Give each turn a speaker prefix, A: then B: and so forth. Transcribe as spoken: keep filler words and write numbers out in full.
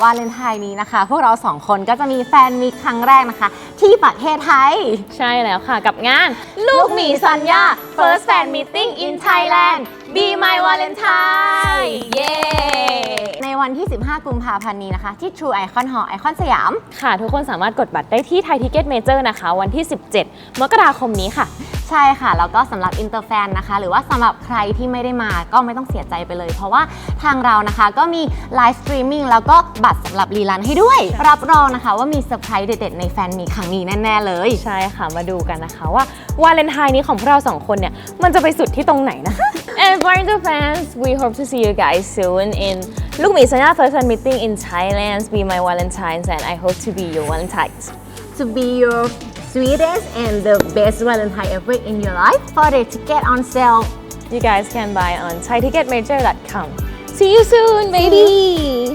A: าเลนไทน์นี้นะคะพวกเราสองคนก็จะมีแฟนมีตครั้งแรกนะคะที่ประเทศไทย
B: ใช่แล้วค่ะกับงานลูกหมีซันยา First Fan Meeting in Thailand Be My Valentine เย้
A: ในวันที่สิบห้ากุมภาพันธ์นี้นะคะที่ True Icon Hall ไอคอนสยาม
B: ค่ะทุกคนสามารถกดบัตรได้ที่ไทยทิเก็ตเมเจอร์นะคะวันที่สิบเจ็ดมกราคมนี้ค่ะ
A: ใช่ค่ะแล้วก็สำหรับอินเตอร์แฟนนะคะหรือว่าสำหรับใครที่ไม่ได้มาก็ไม่ต้องเสียใจไปเลยเพราะว่าทางเรานะคะก็มีไลฟ์สตรีมมิ่งแล้วก็บัตรสำหรับรีลันให้ด้วยรับรองนะคะว่ามีเซอร์ไพรส์เด็ดๆในแฟนมีครั้งนี้แน่ๆเลย
B: ใช่ค่ะมาดูกันนะคะว่าวาเลนไทน์นี้ของพวกเราสองคนเนี่ยมันจะไปสุดที่ตรงไหนนะคะ And for the fans we hope to see you guys soon in ลูกหมีซันยา First Fan Meeting in Thailand Be My Valentines and I hope to be your Valentines
A: to be your sweetest and the best Valentine ever in your life. For the ticket on sale,
B: you guys can buy on thai ticket major dot com. See you soon, baby!